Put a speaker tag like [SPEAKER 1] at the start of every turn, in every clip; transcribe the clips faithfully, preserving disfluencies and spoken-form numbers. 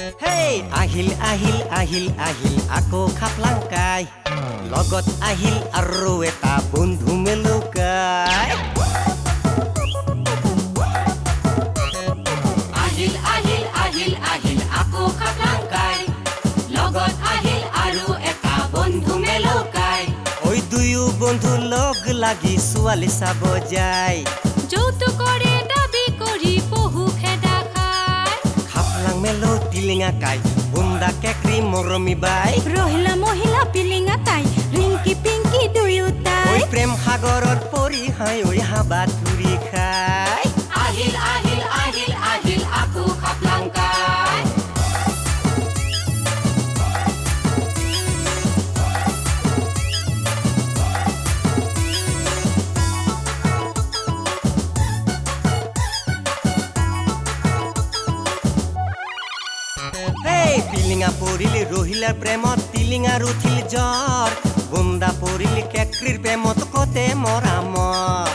[SPEAKER 1] হেই আহিল আহিল আহিল আহিল আকৌ খাপলাংকাই লগত আহিল আৰু এটা বন্ধু মেলুকাই
[SPEAKER 2] আহিল আহিল আহিল আহিল আকৌ খাপলাংকাই লগত আহিল আৰু এটা বন্ধু মেলুকাই
[SPEAKER 1] ওই দুয়ো বন্ধু লগ লাগি ছোৱালী চাব যায়
[SPEAKER 2] যৌতুকৰে দাবী কৰি বহু খেদা খায়
[SPEAKER 1] খাপলাং মেলো টিলিঙা কাই বুন্দা কেকৰি মৰমি বাই
[SPEAKER 2] ৰহিলা মহিলা পিলিঙা তাই ৰিংকি পিংকি দুয়োটাই
[SPEAKER 1] ওই প্ৰেম সাগৰত পৰি হাই ঐ হাবা ধুৰি খাই
[SPEAKER 2] আহিল আহিল আহিল আহিল আকৌ খাপলাংকাই
[SPEAKER 1] হেই পিলিঙা পৰিলি ৰহিলাৰ প্ৰেমত টিলিঙাৰ উঠিল জ্বৰ বুন্দা পৰিলি কেকৰিৰ প্ৰেমত কতে মৰামৰ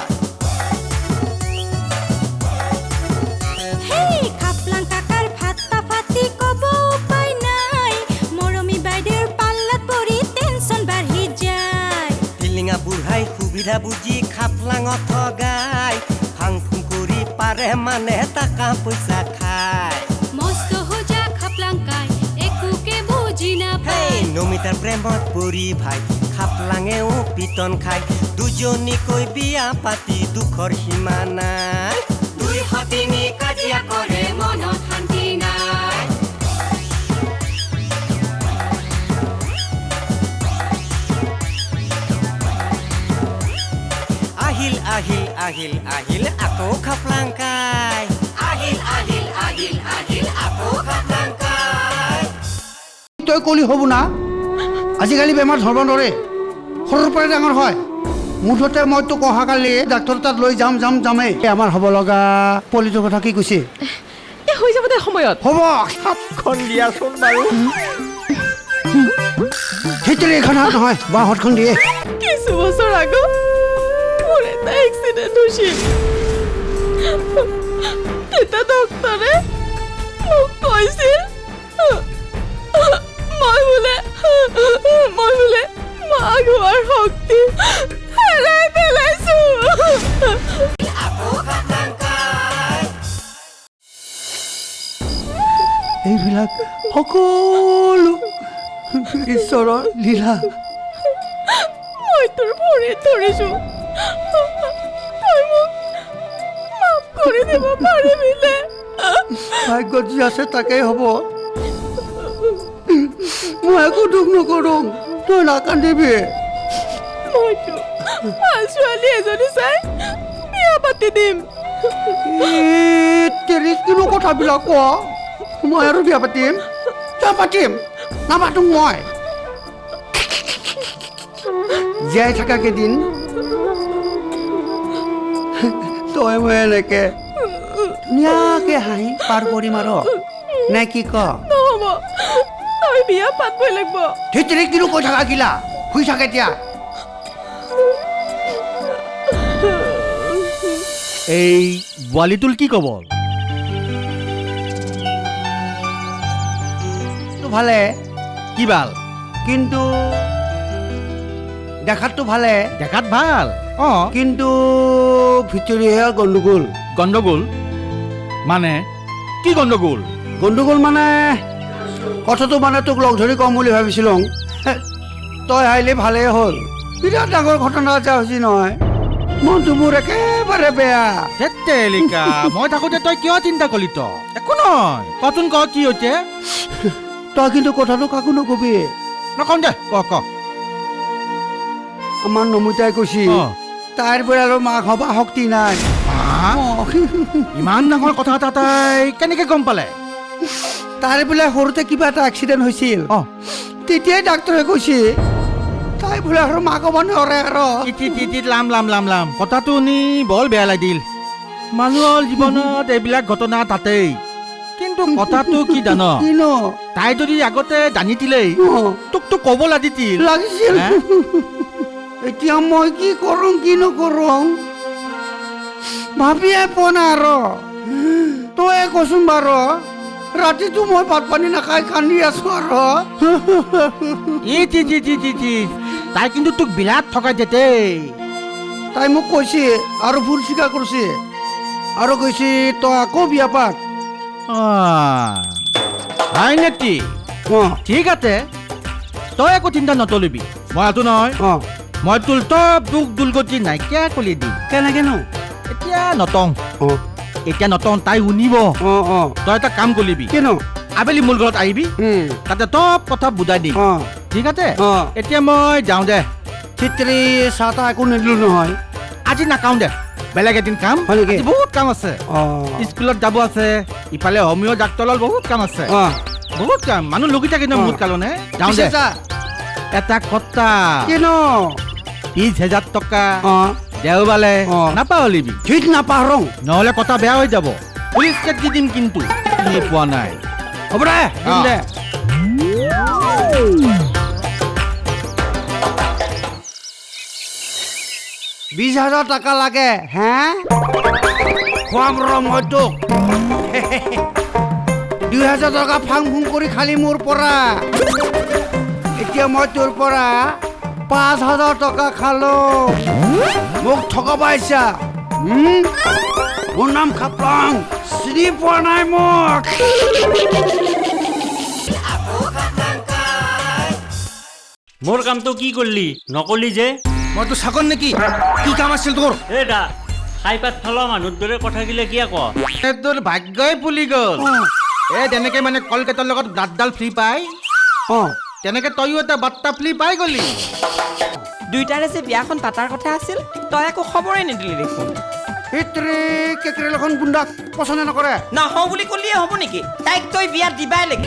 [SPEAKER 2] হেই খাপলাং কাকাৰ ফাটা ফাটি কব উপায় নাই মৰমী বাইদেউৰ পাল্লাত পৰি টেনচন বাঢ়ি যায়
[SPEAKER 1] টিলিঙা বুঢ়াই সুবিধা বুজি খাপলাঙত ঠগাই ফাং ফুং কৰি পাৰে মানে টাকা পইচা খায়
[SPEAKER 2] মস্ত হোজা খাপলাংকাই একোকে বুজি
[SPEAKER 1] হেই
[SPEAKER 2] নাপায়
[SPEAKER 1] নমিতাৰ প্ৰেমত পৰি ভাই খাপলাঙেও পিটন খাই দুজনীকৈ বিয়া পাতি দুখৰ সীমা নাই
[SPEAKER 2] দুই সতিনী কাজিয়া কৰে মনত শান্তি নাই
[SPEAKER 1] আহিল আহিল আহিল আহিল আকৌ খাপলাংকাই
[SPEAKER 2] আহিল আহিল আহিল আহিল আকৌ খাপলাংকাই
[SPEAKER 3] তই কলি হ'ব না আজিকালি বেমাৰ ধৰব নৰে সৰুৰ পৰাই ডাঙৰ হয় মুঠতে মই তোক অহাকালি ডাক্তৰ তাত লৈ যাম যাম যামেই আমাৰ হ'ব লগা পলিটোৰ কথা কি কৈছে
[SPEAKER 4] হৈ যাব দে সময়ত
[SPEAKER 3] হ'ব
[SPEAKER 5] হাতখন দিয়াচোন বাৰু
[SPEAKER 3] সেইটোৰে এইখন হাত নহয় বা হাতখন দিয়ে
[SPEAKER 4] কিছু বছৰ আগত মোৰ এটা এক্সিডেণ্ট হৈছিল তেতিয়া ডক্তৰে মোক কৈছিল মই বোলে মই বোলে মাক হোৱাৰ শক্তি হেৰাই পেলাইছো
[SPEAKER 3] এইবিলাক সকলো ঈশ্বৰৰ লীলা
[SPEAKER 4] মই তোৰ ভৰিত ধৰিছো তই মোক মাফ কৰি দিব পাৰিবিনে
[SPEAKER 3] ভাগ্যত যি আছে তাকেই হ'ব মই একো দুখ নকৰোঁ তই নাকান্দিবি
[SPEAKER 4] মইতো ভাল ছোৱালী এজনী চাই বিয়া পাতি দিম
[SPEAKER 3] তেৰিছ কিনো কথাবিলাক ক মই আৰু বিয়া পাতিম কিয় পাতিম নাপাতো মই জীয়াই থকা কেইদিন তই মই এনেকে ধুনীয়াকে হাঁহি পাৰ কৰিম আৰু নে কি ক
[SPEAKER 4] নহ'ব তই বিয়া পাতবই লাগিব
[SPEAKER 3] ধেতৰি কিনো কৈ থাকা গিলা শুই থাক এতিয়া
[SPEAKER 5] এই বোৱালিটোল কি ক'ব
[SPEAKER 3] ভালে
[SPEAKER 5] কি ভাল
[SPEAKER 3] কিন্তু দেখাততো ভালে
[SPEAKER 5] দেখাত ভাল অঁ
[SPEAKER 3] কিন্তু ভিতৰিহে গণ্ডগোল
[SPEAKER 5] গণ্ডগোল মানে কি গণ্ডগোল
[SPEAKER 3] গণ্ডগোল মানে কথাটো মানে তোক লগ ধৰি কম বুলি ভাবিছিলোঁ তই আহিলে ভালেই হ'ল বিৰাট ডাঙৰ ঘটনা এটা হৈছে নহয় মনটো মোৰ একেবাৰে বেয়া
[SPEAKER 5] তেলিকা মই থাকোঁতে তই কিয় চিন্তা কৰিলি তই একো নহয় কচোন ক কি হৈছে
[SPEAKER 3] তই কিন্তু কথাটো কাকো নকবি
[SPEAKER 5] নকওঁ দে ক ক
[SPEAKER 3] আমাৰ নমিতাই কৈছি
[SPEAKER 5] অঁ।
[SPEAKER 3] তাইৰ পৰা আৰু মাক হবা শক্তি নাই
[SPEAKER 5] হা?
[SPEAKER 3] অঁ।
[SPEAKER 5] ইমান ডাঙৰ কথা এটা তাই কেনেকে গম পালে
[SPEAKER 3] তাইৰ বোলে সৰুতে কিবা এটা এক্সিডেণ্ট হৈছিল
[SPEAKER 5] অঁ
[SPEAKER 3] তেতিয়াই ডাক্তৰে কৈছে তাই বোলে আৰু মাক হ'ব নোৱাৰে আৰু
[SPEAKER 5] ইটি টিটি লাম লাম লাম লাম কথাটো শুনি বৰ বেয়া লাগিল মানুহৰ জীৱনত এইবিলাক ঘটনা তাতেই কিন্তু কথাটো কি জান
[SPEAKER 3] কিনো
[SPEAKER 5] তাই যদি আগতে জানি দিলেই
[SPEAKER 3] অঁ।
[SPEAKER 5] তোক তো ক'ব লাগিছিল
[SPEAKER 3] লাগিছিল
[SPEAKER 5] হে?
[SPEAKER 3] এতিয়া মই কি কৰোঁ কি নকৰোঁ ভাবিয়ে পোৱা নাই আৰু তই কচোন বাৰু ৰাতিটো মই ভাত পানী নাখাই কান্দি আছো আৰু
[SPEAKER 5] ই টি টি টি টি টি তাই কিন্তু তোক বিৰাট ঠগাই দে দেই
[SPEAKER 3] তাই মোক কৈছে আৰু ভুল স্বীকাৰ কৰিছে আৰু কৈছে তই আকৌ বিয়া পাত
[SPEAKER 5] আহ, হয় নেকি
[SPEAKER 3] অঁ
[SPEAKER 5] ঠিক আছে তই একো চিন্তা নতলিবি মই আছো নহয়
[SPEAKER 3] অঁ
[SPEAKER 5] মই তোৰ চব দুখ দুৰ্গতি নাইকিয়া কৰি দিম
[SPEAKER 3] কেনেকেনো
[SPEAKER 5] এতিয়া নতং
[SPEAKER 3] অঁ
[SPEAKER 5] এতিয়া নতং তাই শুনিব
[SPEAKER 3] অঁ অঁ
[SPEAKER 5] তই এটা কাম কৰিবি
[SPEAKER 3] কিনো
[SPEAKER 5] আবেলি মোৰ ঘৰত আহিবি তাতে চব কথা বুজাই দিম
[SPEAKER 3] অঁ
[SPEAKER 5] ঠিক আছে
[SPEAKER 3] অঁ
[SPEAKER 5] এতিয়া মই যাওঁ দে
[SPEAKER 3] চিত্ৰী চাহ তাহ একো নিদিলোঁ নহয়
[SPEAKER 5] আজি নাখাওঁ দে বেলেগ এদিন কাম
[SPEAKER 3] হয় নেকি?
[SPEAKER 5] আজি বহুত কাম আছে
[SPEAKER 3] অঁ
[SPEAKER 5] স্কুলত যাব আছে ইফালে হোমিঅ' ডাক্তৰৰ বহুত কাম আছে
[SPEAKER 3] অঁ
[SPEAKER 5] বহুত কাম মানুহ লগি থাকে ন
[SPEAKER 3] অঁ।
[SPEAKER 5] মোৰ কাৰণে যাওঁ
[SPEAKER 3] পিছে
[SPEAKER 5] দে
[SPEAKER 3] যা
[SPEAKER 5] এটা কথা
[SPEAKER 3] কিনো
[SPEAKER 5] বিশ হাজাৰ টকা
[SPEAKER 3] অঁ
[SPEAKER 5] দেওবালে
[SPEAKER 3] অঁ।
[SPEAKER 5] নাপাহৰিবি
[SPEAKER 3] ঠিক নাপাহৰোঁ
[SPEAKER 5] নহ'লে কথা বেয়া হৈ যাব পুলিচ কেট দি দিম কিন্তু চিনি পোৱা নাই
[SPEAKER 3] হ'ব দে দিম
[SPEAKER 5] অঁ।
[SPEAKER 3] দে বিশ হাজাৰ টকা লাগে হে খুৱাম ৰ মই তোক দুই হাজাৰ টকা ফাং ফুং কৰি খালি মোৰ পৰা এতিয়া মই তোৰ পৰা পাঁচ হাজাৰ টকা খালো মোক ঠগাব আহিছা হুম? মোৰ নাম খাপলাং চিনি পোৱা নাই মোক
[SPEAKER 6] মোৰ কামটো কি কৰিলি নকলি যে
[SPEAKER 5] মইতো চাকৰ নেকি কি কাম আছিল তোৰ
[SPEAKER 6] এ দা খাই পাত ফেলোৱা মানুহৰ দৰে কথাগিলা কিয় ক
[SPEAKER 5] তোৰ ভাগ্যই ফুলি গ'ল এ তেনেকে মানে কলকাতাৰ লগত দাঁতডাল ফ্ৰী পাই
[SPEAKER 3] অঁ
[SPEAKER 5] তেনেকে তইও এটা বাৰ্তা ফ্ৰী পাই গলি
[SPEAKER 7] দুইটাৰে যে বিয়াখন পাতাৰ কথা আছিল তই একো খবৰে নিদিলি দেখোন
[SPEAKER 3] সেইটোৰে কেকেৰেলখন গুণ্ডাক পচন্দ নকৰে
[SPEAKER 7] নহওঁ বুলি ক'লিয়ে হ'ব নেকি তাইক তই বিয়া দিবাই লাগিব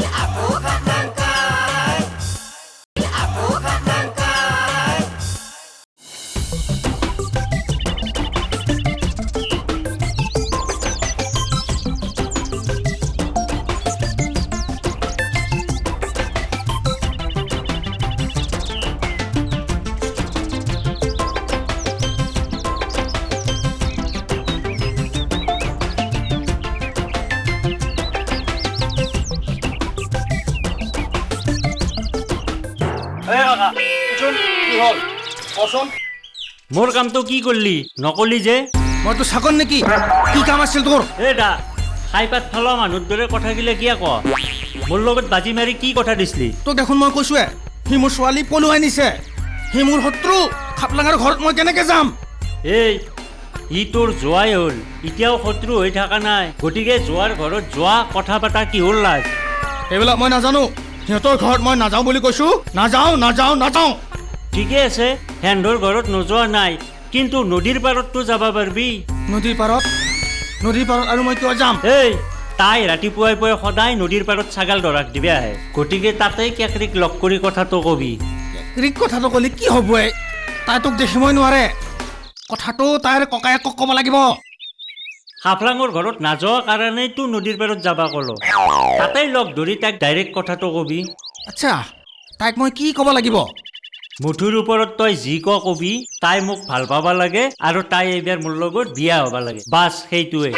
[SPEAKER 6] মোৰ কামটো কি কৰিলি নকলি যে
[SPEAKER 5] মইতো চাকৰ নেকি কি কাম আছিল তোৰ
[SPEAKER 6] এ দা খাই পাত ফেলোৱা মানুহৰ দৰে কথাগিলা কিয় ক মোৰ লগত বাজি মাৰি কি কথা দিছিলি
[SPEAKER 5] তোক দেখোন মই কৈছোৱে সি মোৰ ছোৱালী পলুৱাই নিছে সি মোৰ শত্ৰু খাপলাঙৰ ঘৰত মই কেনেকে যাম
[SPEAKER 6] এই ই তোৰ যোৱাই হ'ল এতিয়াও শত্ৰু হৈ থকা নাই গতিকে যোৱাৰ ঘৰত যোৱা কথা পতা কিহৰ লাজ
[SPEAKER 5] সেইবিলাক মই নাজানো সিহঁতৰ ঘৰত মই নাযাওঁ বুলি কৈছো নাযাওঁ নাযাওঁ নাযাওঁ
[SPEAKER 6] ঠিকে আছে হেন্দৰ ঘৰত নোযোৱা নাই কিন্তু নদীৰ পাৰততো যাব পাৰিবি
[SPEAKER 5] নদীৰ পাৰত নদীৰ পাৰত আৰু মই কিয় যাম
[SPEAKER 6] এই তাই ৰাতিপুৱাই পুৱাই সদায় নদীৰ পাৰত ছাগাল ধৰাক দিবে আহে গতিকে তাতেই কেকৰিক লগ কৰি কথাটো কবি
[SPEAKER 5] ৰিক কথাটো ক'লে কি হ'ব এ? তাই তোক দেখিবই নোৱাৰে কথাটো তাইৰ ককায়েকক ক'ব লাগিব
[SPEAKER 6] হাফলাঙৰ ঘৰত নাযোৱা কাৰণেইতো নদীৰ পাৰত যাবা ক'লো তাতেই লগ ধৰি তাইক ডাইৰেক্ট কথাটো কবি
[SPEAKER 5] আচ্ছা তাইক মই কি ক'ব লাগিব
[SPEAKER 6] মুঠুৰ ওপৰত তই যি ক কবি তাই মোক ভাল পাবা লাগে আৰু তাই এইবাৰ মোৰ লগত বিয়া হ'বা লাগে বাছ সেইটোৱে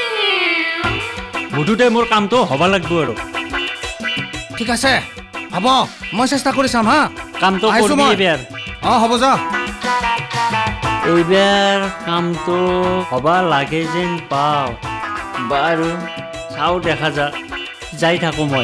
[SPEAKER 6] মুঠতে মোৰ কামটো হ'ব লাগব আৰু
[SPEAKER 5] ঠিক আছে হ'ব মই চেষ্টা কৰি চাম হা
[SPEAKER 6] কামটো
[SPEAKER 5] আহিছো
[SPEAKER 6] কৰিবি
[SPEAKER 5] মই।
[SPEAKER 6] এইবাৰ
[SPEAKER 5] অঁ হ'ব যা
[SPEAKER 6] এইবাৰ কামটো হ'বা লাগে যেন পাওঁ বাৰু চাওঁ দেখা যাক যাই থাকোঁ মই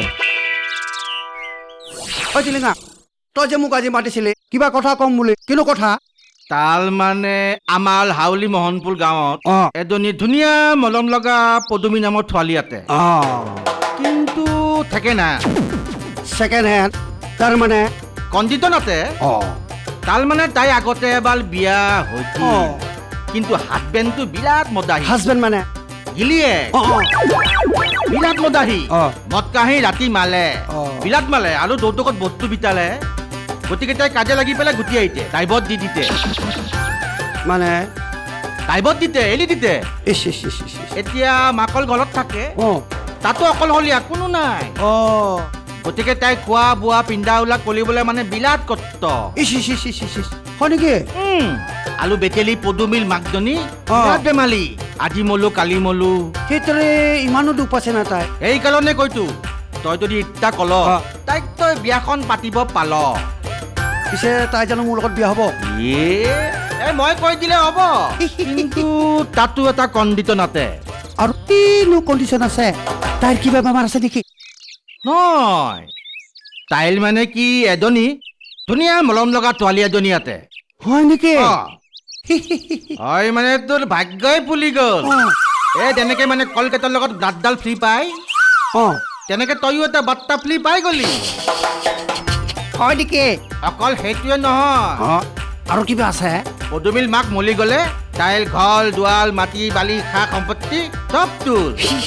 [SPEAKER 3] ঐ টিলিঙা তই যে মোক আজি মাতিছিলি কিবা কথা কম বুলি কিনো কথা
[SPEAKER 5] তাল মানে আমাৰ হাউলি মোহনপুৰ গাঁৱত
[SPEAKER 3] অঁ
[SPEAKER 5] এজনী ধুনীয়া মলম লগা পদুমী নামৰ ছোৱালী আছে
[SPEAKER 3] অঁ
[SPEAKER 5] কিন্তু থাকে না
[SPEAKER 3] ছেকেণ্ড হেণ্ড তাৰমানে
[SPEAKER 5] কণ্ডিশ্যনতে
[SPEAKER 3] অঁ
[SPEAKER 5] তাৰ মানে তাই আগতে এবাৰ বিয়া হৈছিল
[SPEAKER 3] অঁ
[SPEAKER 5] কিন্তু হাজবেণ্ডটো বিৰাট মদাহী
[SPEAKER 3] হাজবেণ্ড মানে
[SPEAKER 5] গিলিয়ে
[SPEAKER 3] অঁ অঁ
[SPEAKER 5] বিৰাট মদাহী
[SPEAKER 3] অঁ
[SPEAKER 5] মদ কাহি ৰাতি মালে
[SPEAKER 3] অঁ
[SPEAKER 5] বিৰাট মালে আৰু দৌদকত বস্তু বিতালে গতিকে তাই কাজে লাগি পেলাই গুটি আহিছে ডাইভত দি দিতে
[SPEAKER 3] মানে
[SPEAKER 5] ডাইভত দিতে এৰি দিতে
[SPEAKER 3] ইচ ইচ ইচ ইচ ইচ।
[SPEAKER 5] এতিয়া মাকৰ ঘৰত থাকে
[SPEAKER 3] অঁ
[SPEAKER 5] তাতো অকলশৰীয়া কোনো নাই
[SPEAKER 3] অঁ
[SPEAKER 5] গতিকে তাই খোৱা বোৱা পিন্ধা উলা কৰিবলৈ মানে বিৰাট কষ্ট
[SPEAKER 3] ইচ ইচ ইচ ইচ ইচ ইচ হয় নেকি
[SPEAKER 5] উম, আলু বেটেলি পদুমিল মাকজনী
[SPEAKER 3] অঁ।
[SPEAKER 5] বিৰাট বেমালী আজি মলো কালি মলো
[SPEAKER 3] সেইটোৰে ইমানো দুখ পাইছে না তাই
[SPEAKER 5] এইকাৰণে কৈতো তই যদি ইত্যা কল
[SPEAKER 3] অ।
[SPEAKER 5] তাইক তই বিয়াখন পাতিব পাল
[SPEAKER 3] পিছে তাই জানো মোৰ লগত বিয়া হ'ব
[SPEAKER 5] ইয়ে এই মই কৈ দিলে হ'ব কিন্তু তাতো এটা কণ্ডিশ্যন আছে
[SPEAKER 3] আৰু কিনো কণ্ডিশ্যন আছে তাইৰ কিবা বেমাৰ আছে নেকি
[SPEAKER 5] নহয় তাইল মানে কি এজনী ধুনীয়া মলম লগা ছোৱালী এজনী আছে
[SPEAKER 3] হয় নেকি
[SPEAKER 5] অ। হয় মানে তোৰ ভাগ্যই ফুলি গ'ল
[SPEAKER 3] অ।
[SPEAKER 5] এই তেনেকে মানে কলকাতাৰ লগত ব্লাডডাল ফ্ৰী পাই
[SPEAKER 3] অ
[SPEAKER 5] তেনেকে তইও এটা বাৰ্তা ফ্ৰী পাই গলি
[SPEAKER 3] হয় নেকি
[SPEAKER 5] অকল সেইটোৱে নহয়
[SPEAKER 3] অ আৰু কিবা আছে
[SPEAKER 5] পদুমিল মাক মলি গ'লে তাইৰ ঘৰ দুৱাল মাটি বালি সা সম্পত্তি চব তোৰ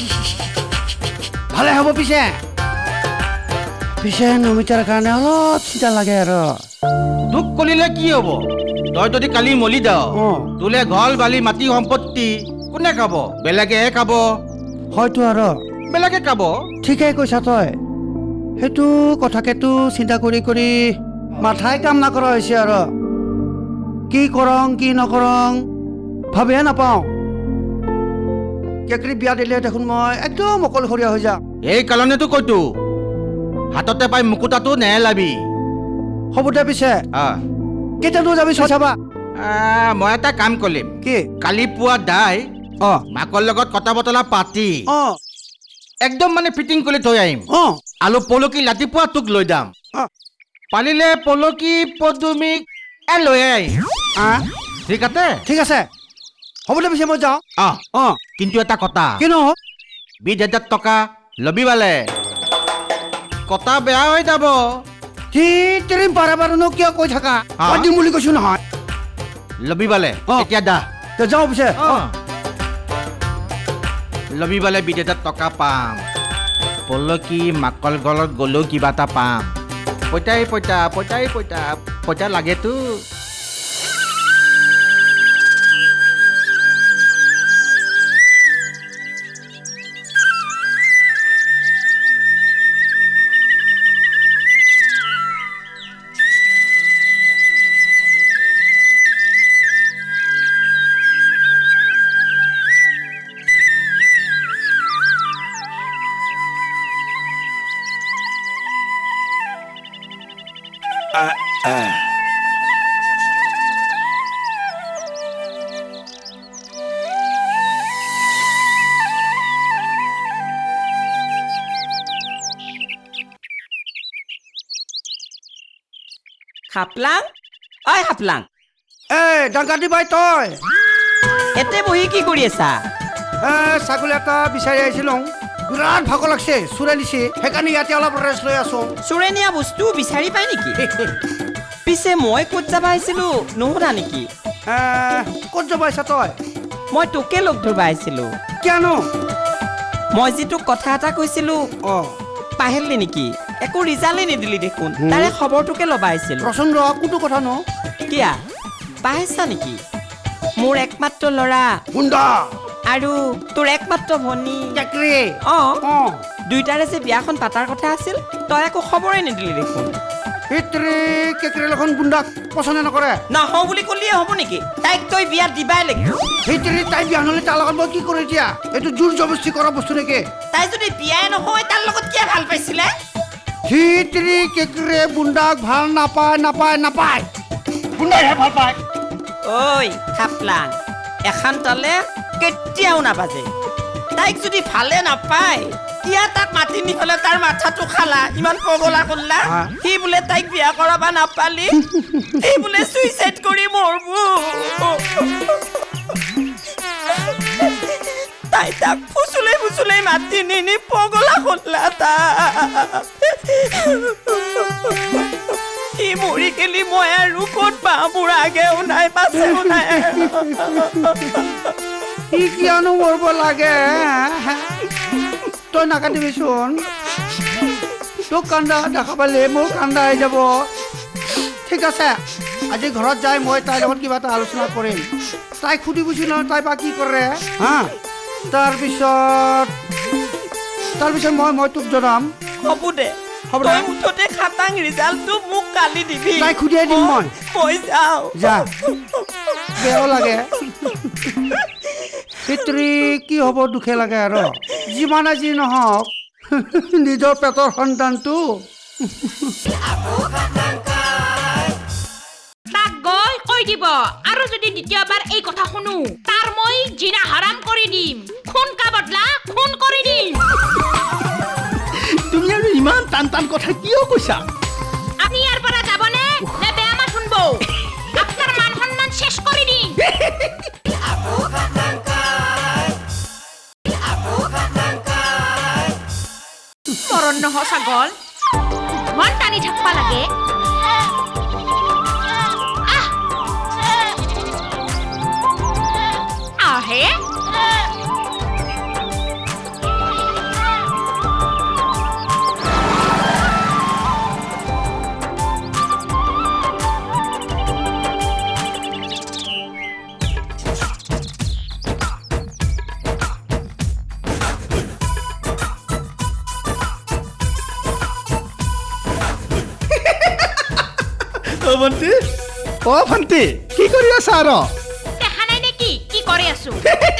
[SPEAKER 3] ভালে হ'ব পিছে পিছে নমিতাৰ কাৰণে অলপ চিন্তা লাগে আৰু
[SPEAKER 5] তোক কলিলে কি হ'ব তই যদি কালি মলি যাৱ
[SPEAKER 3] অ।
[SPEAKER 5] তোলে ঘৰ বালি মাটি সম্পত্তি কোনে খাব বেলেগেহে খাব
[SPEAKER 3] হয়তো আৰু
[SPEAKER 5] বেলেগে খাব
[SPEAKER 3] ঠিকেই কৈছা তই সেইটো কথাকেতো চিন্তা কৰি কৰি মাথাই কাম নকৰা হৈছে আৰু কি কৰং কি নকৰং ভাবিহে নাপাওঁ কেকৰি বিয়া দিলে দেখোন মই একদম অকলশৰীয়া হৈ যাম
[SPEAKER 5] এই কাৰণেতো কৈতো হাততে পাই মুকুতাটো নেহেলাবি
[SPEAKER 3] হ'ব দে পিছে
[SPEAKER 5] আহ
[SPEAKER 3] কেতিয়ানো যাবি চাই চাবা
[SPEAKER 5] আহ, মই এটা কাম কৰিম
[SPEAKER 3] কি
[SPEAKER 5] কালি পুৱা দাই
[SPEAKER 3] অ
[SPEAKER 5] মাকৰ লগত কথা বতৰা পাতি
[SPEAKER 3] অ
[SPEAKER 5] একদম মানে ফিটিং কৰি থৈ আহিম
[SPEAKER 3] অ
[SPEAKER 5] আৰু পলকি ৰাতিপুৱা তোক লৈ যাম
[SPEAKER 3] অ
[SPEAKER 5] পাৰিলে পলকি পদুমিক এ লৈ আহিম
[SPEAKER 3] আ
[SPEAKER 5] ঠিক আছে
[SPEAKER 3] ঠিক আছে হ'ব দে পিছে মই যাওঁ
[SPEAKER 5] অ
[SPEAKER 3] অ
[SPEAKER 5] কিন্তু এটা কথা
[SPEAKER 3] কিনো
[SPEAKER 5] বিশ হাজাৰ টকা লবি বালে কথা বেয়া হৈ যাব
[SPEAKER 3] সি তেৰি বাৰে বাৰেনো কিয় কৈ থাকা
[SPEAKER 5] হা?
[SPEAKER 3] মই দিম বুলি কৈছো নহয়
[SPEAKER 5] লবি বালে
[SPEAKER 3] অ।
[SPEAKER 5] এতিয়া দা
[SPEAKER 3] তে যাওঁ পিছে
[SPEAKER 5] অ লবি বালে বিশ হাজাৰ টকা পাম পলকি মাকল গলত গ'লেও কিবা এটা পাম পইতাই পইতা পইতাই পইতা পইতা লাগেতো
[SPEAKER 7] হাপলাং ঐ হাপলাং
[SPEAKER 3] এ ডাংকাটি বাই তই
[SPEAKER 7] এতে বহি কি কৰি আছা
[SPEAKER 3] এ ছাগলী এটা বিচাৰি আহিছিলোঁ বিৰাট ভাগৰ লাগছে চোৰে নিছে সেইকাৰণে ইয়াতে অলপ ৰেষ্ট লৈ আছো
[SPEAKER 7] চোৰে নিয়া বস্তু বিচাৰি পাই নেকি পিছে মই ক'ত যাব আহিছিলো নুশুনা নেকি
[SPEAKER 3] এ ক'ত যাব আহিছা তই
[SPEAKER 7] মই তোকে লগ ধৰিব আহিছিলো
[SPEAKER 3] কিয়নো
[SPEAKER 7] মই যি তোক কথা এটা কৈছিলো
[SPEAKER 3] অ
[SPEAKER 7] পাহৰিলি নেকি একো ৰিজাল্টেই নিদিলি দেখোন তাৰে খবৰটোকে ল'ব আহিছিলো
[SPEAKER 3] ৰচোন ৰ কোনটো কথা ন
[SPEAKER 7] কিয়া পাহৰিছা নেকি মোৰ একমাত্ৰ ল'ৰা
[SPEAKER 3] গুণ্ডা
[SPEAKER 7] আৰু তোৰ একমাত্ৰ ভনী
[SPEAKER 3] কেকৰি
[SPEAKER 7] অ
[SPEAKER 3] অ
[SPEAKER 7] দুইটাৰে যে বিয়াখন পাতাৰ কথা আছিল তই একো খবৰেই নিদিলি দেখোন
[SPEAKER 3] সেইটোৰে কেকৰি এখন গুণ্ডাক পচন্দ নকৰে
[SPEAKER 7] নহওঁ বুলি ক'লিয়ে হ'ব নেকি তাইক তই বিয়া দিবাই লাগিব
[SPEAKER 3] সেইটোৰে তাই বিয়া নহ'লে তাৰ লগত মই কি কৰোঁ এতিয়া এইটো জোৰ জবস্তি কৰা বস্তু নেকি
[SPEAKER 7] তাই যদি বিয়াই নহয় তাৰ লগত কিয় ভাল পাইছিলে
[SPEAKER 3] সেইটোৰে কেকৰি গুণ্ডাক ভাল নাপায় নাপায় নাপায় গুণ্ডাইহে ভাল পায়
[SPEAKER 7] ঐ খাপলাং এখন তালে কেতিয়াও নাবাজে তাইক যদি ভালে নাপায় কিয় তাক মাতি নিহলে তাৰ মাথাটো খালা ইমান পগলা কৰলা
[SPEAKER 3] হা?
[SPEAKER 7] সি বোলে তাইক বিয়া কৰাবা নাপালি সি বোলে চুইচাইড কৰি মৰব তাই তাক ফুচুলাই ফুচুলাই মাতি নিনি পগলা কৰলা তাক সি মৰি গেলি মই আৰু ক'ত পাওঁ মোৰ আগেও নাই পাছেও নাই
[SPEAKER 3] সি কিয়নো মৰিব লাগে তই নাকাটিবিচোন তোক কান্দা দেখা পালে মোৰ কান্দা আহি যাব ঠিক আছে আজি ঘৰত যাই মই তাইৰ লগত কিবা এটা আলোচনা কৰিম তাইক সুধিবিচোন নহয় তাই বা কি কৰে হা তাৰপিছত তাৰপিছত মই মই তোক জনাম
[SPEAKER 7] হ'ব দে
[SPEAKER 3] হ'ব
[SPEAKER 7] তই
[SPEAKER 3] দে
[SPEAKER 7] মুঠতে খাটাং ৰিজাল্টটো মোক কালি দিবি
[SPEAKER 3] তাইক সুধিয়াই দিম মই
[SPEAKER 7] মই যাওঁ
[SPEAKER 3] যা বেয়াও লাগে পিতৃ কি হ'ব দুখে লাগে আৰু যিমানে যি নহওক নিজৰ পেটৰ সন্তানটো
[SPEAKER 4] তাক গৈ কৈ দিব আৰু যদি দ্বিতীয়বাৰ এই কথা শুনো তাৰ মই জিনা হাৰাম কৰি দিম খুন কা বদলা খুন কৰি দিম
[SPEAKER 5] তুমি আৰু ইমান টান টান কথা কিয় কৈছা
[SPEAKER 4] আপনি ইয়াৰ পৰা যাবনে নে বেয়া মাত শুনব আপনার মান সম্মান শেষ কৰি দিম মৰণ নহ ছাগল মন টানি থাকবা লাগে আহ! আহে
[SPEAKER 5] অ ভণ্টি অ ভণ্টি কি কৰি আছা আৰু
[SPEAKER 4] দেখা নাই নেকি কি কৰি আছো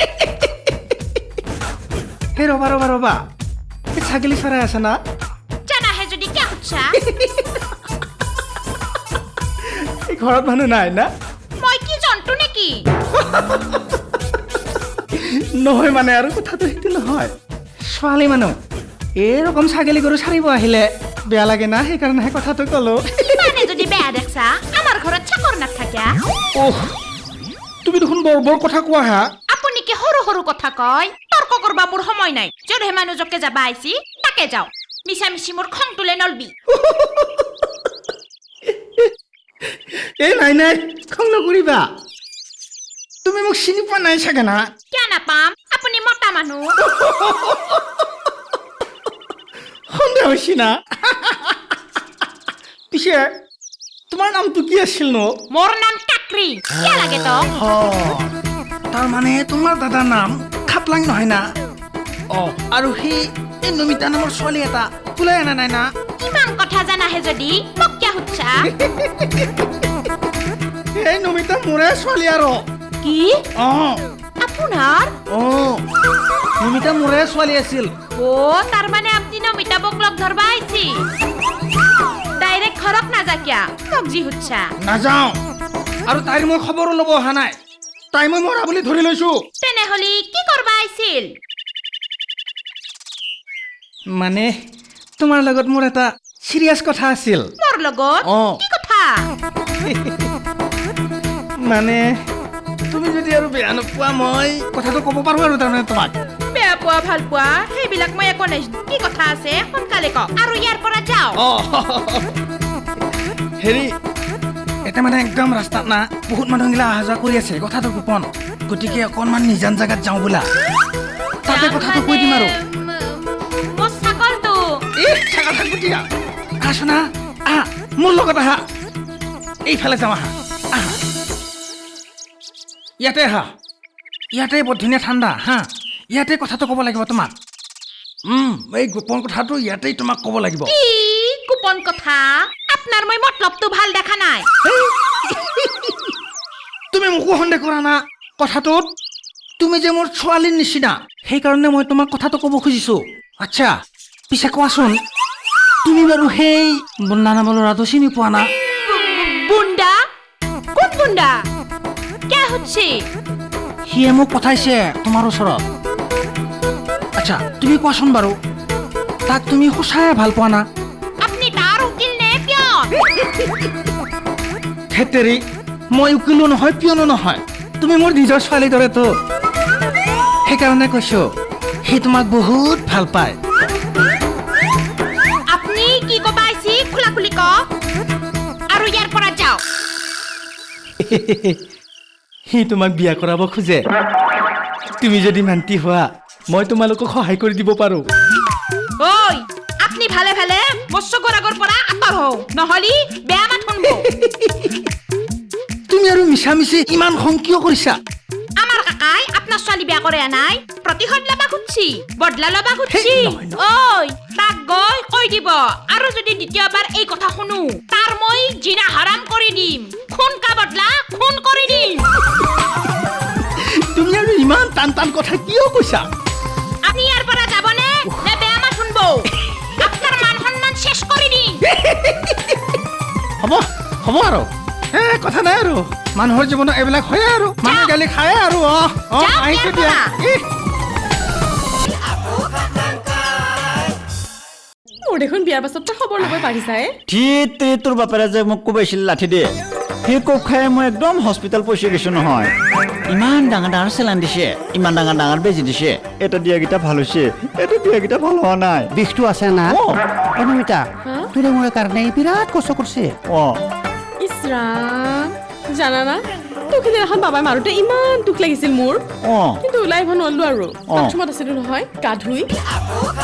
[SPEAKER 5] হে ৰবা ৰবা ৰবা এই ছাগলী চৰাই আছে না
[SPEAKER 4] জানাহে যদি কিয় সুধছা
[SPEAKER 5] এই ঘৰত মানুহ নাই না
[SPEAKER 4] মই কি জন্তু নেকি
[SPEAKER 5] নহয় মানে আৰু কথাটো সেইটো নহয় ছোৱালী মানুহ এরকম ছাগলী গরু ছাড়িব আহিলে বেয়া লাগে না সেইকাৰণে কথাটো কলো
[SPEAKER 4] মানে যদি বেয়া দেখছা আমার ঘৰত চাকৰ নাথাকা
[SPEAKER 5] ওহ তুমি দেখোন বৰ বৰ কথা কোৱা হা
[SPEAKER 4] আপুনি কি সৰু সৰু কথা কয় তৰ্ক কৰবা মোৰ সময় নাই য'তহে মানুহজকে যাবা আইছি তাকে যাও মিছা মিছি মোৰ খং তুলে নলবি
[SPEAKER 5] এই নাই নাই খং নকৰিবা তুমি মোক চিনি পোৱা নাই চাগে না
[SPEAKER 4] কিয় নাপাম আপুনি মতা মানুহ
[SPEAKER 5] সন্দেহ হৈছি না পিছে তোমাৰ নামটো কি আছিল নো
[SPEAKER 4] মোৰ নাম কাকৰি কিয় লাগে তো
[SPEAKER 5] তাৰ মানে তোমাৰ দাদাৰ নাম খাপলাং নহয় না অ আৰু সি এই নমিতা নামৰ ছোৱালী এটা তুলাই আনা নাই না
[SPEAKER 4] ইমান কথা জানাহে যদি মোক কিয় সুধছা
[SPEAKER 5] এই নমিতা মোৰে ছোৱালী আৰু
[SPEAKER 4] কি
[SPEAKER 5] অ
[SPEAKER 4] আপোনাৰ
[SPEAKER 5] অ নমিতা মোৰে ছোৱালী আছিল
[SPEAKER 4] ও তার মানে আপনি নমিতা বক লগ ধরবা আইছি ডাইরেক্ট খরক না যা কিয়া মোক জি হুচ্ছা
[SPEAKER 5] নাযাওঁ আৰু তাইৰ মই খবৰো ল'ব অহা নাই তাই মই মৰা বুলি ধৰি লৈছো
[SPEAKER 4] তেনেহলি কি করবা আইছিল
[SPEAKER 5] মানে তোমাৰ লগত মোৰ এটা সিৰিয়াছ কথা আছিল
[SPEAKER 4] মোর লগত
[SPEAKER 5] অ।
[SPEAKER 4] কি কথা
[SPEAKER 5] মানে তুমি যদি আৰু বেয়া নোপোৱা মই কথাটো ক'ব পাৰো আৰু তাৰমানে তোমাক
[SPEAKER 4] বেয়া পোৱা ভাল পোৱা সেইবিলাক মই একো নাই কি কথা আছে সোনকালে ক আৰু ইয়াৰ পৰা যাও
[SPEAKER 5] অ হেৰি এটা মানে একদম ৰাস্তাত না বহুত মানুহগিলা অহা যোৱা কৰি আছে কথাটো গোপন গতিকে অকণমান নিজান জাগাত যাওঁ বোলা তাতে কথাটো কৈ দিম আৰু
[SPEAKER 4] মোৰ ছাগলটো
[SPEAKER 5] এই ছাগল থাকব দিয়া আহা সোনা আহা মোৰ লগত আহা এইফালে যাওঁ আহা আহা ইয়াতে আহা ইয়াতে বৰ ধুনীয়া ঠাণ্ডা হা ইয়াতে কথাটো ক'ব লাগিব তোমাক উম এই গোপন কথাটো ইয়াতেই তোমাক ক'ব লাগিব
[SPEAKER 4] কি কুপন কথা আপনার মই মতলবটো ভাল দেখা নাই
[SPEAKER 5] তুমি মোকো সন্দেহ কৰা না কথাটোত তুমি যে মোৰ ছোৱালীৰ নিচিনা সেইকাৰণে মই তোমাক কথাটো ক'ব খুজিছো আচ্ছা পিছে কোৱাচোন তুমি বাৰু সেই বন্দা নামৰ ল'ৰাটো চিনি পোৱা না
[SPEAKER 4] বুন্দা কোন বুন্দা কে হচ্ছে
[SPEAKER 5] সিয়ে মোক পঠাইছে তোমাৰ ওচৰত আচ্ছা তুমি কোৱাচোন বাৰু তাক তুমি সঁচাই ভাল পোৱা না
[SPEAKER 4] আপনি তার উকিল নে পিয়ন
[SPEAKER 5] হেতেৰি মই উকিলো নহয় পিয়নো নহয় তুমি মোৰ নিজৰ ছোৱালীৰ দৰেতো সেইকাৰণে কৈছো সি তোমাক বহুত ভাল পায়
[SPEAKER 4] আপনি কি কবা আইছি খোলা খুলি ক আৰু ইয়াৰ পৰা যাও
[SPEAKER 5] সি তোমাক বিয়া কৰাব খোজে তুমি যদি মান্তি হোৱা মই তোমালোকক সহায় কৰি দিব পাৰো
[SPEAKER 4] ওই আপনি ভালে ভালে মৎস্যগৰ আগৰ পৰা আঁতৰ হও নহলি বেয়া মাত শুনব
[SPEAKER 5] তুমি আৰু মিছা মিছি ইমান খং কিয় কৰিছা
[SPEAKER 4] আমাৰ কাকাই আপনার ছোৱালী বিয়া কৰে নাই প্ৰতিশোধ লবা খুঁজছি বদলা লবা খুঁজছি
[SPEAKER 5] হেই, নহয়, নহয়।
[SPEAKER 4] ওই তাক গৈ কৈ দিব আৰু যদি দ্বিতীয়বাৰ এই কথা শুনো তাৰ মই জিনা হাৰাম কৰি দিম খুন কা বদলা খুন কৰি দিম
[SPEAKER 5] তুমি আৰু ইমান টান টান কথা কিয় কৈছা
[SPEAKER 4] আপনি ইয়াৰ পৰা যাবনে নে বেয়া মাত শুনব আপনার মান সম্মান শেষ করে দিন
[SPEAKER 5] হ'ব হ'ব আৰু এ কথা নাই আৰু মানুহৰ জীৱনত এইবিলাক হয়ে আৰু মানুহ গালি খায়ে আৰু অ অ
[SPEAKER 4] যাওক
[SPEAKER 5] আহিছো
[SPEAKER 4] ইয়াৰ
[SPEAKER 5] দিয়া
[SPEAKER 4] পৰা।
[SPEAKER 5] ইহ।
[SPEAKER 8] মোৰ দেখোন বিয়াৰ পাছত তই খবৰ ল'ব পাৰিছাই
[SPEAKER 9] ঠিক তোৰ বাপেৰে যে মোক কোবাইছিল লাঠি দিয়ে সেই কোব খাই মই একদম হস্পিটেল পইচা গৈছো নহয় ইমান ডাঙৰ ডাঙৰ চেলাইন দিছে ইমান ডাঙৰ ডাঙৰ বেজি দিছে এটা দিয়াকেইটা ভাল হৈছে এইটো দিয়াকেইটা ভাল হোৱা নাই
[SPEAKER 3] বিষটো আছে না
[SPEAKER 9] অ
[SPEAKER 3] অনুমিতা তোৰে মোৰ কাৰণে বিৰাট কষ্ট কৰিছে
[SPEAKER 9] অ
[SPEAKER 8] ইছৰাম জানা না তোক সিদিনাখন বাবাই মাৰোতে ইমান দুখ লাগিছিল মোৰ
[SPEAKER 9] অ
[SPEAKER 8] কিন্তু ওলাই আহিব নোৱাৰিলো আৰু
[SPEAKER 9] অ।
[SPEAKER 8] বাথৰুমত আছিলো নহয় গা ধুই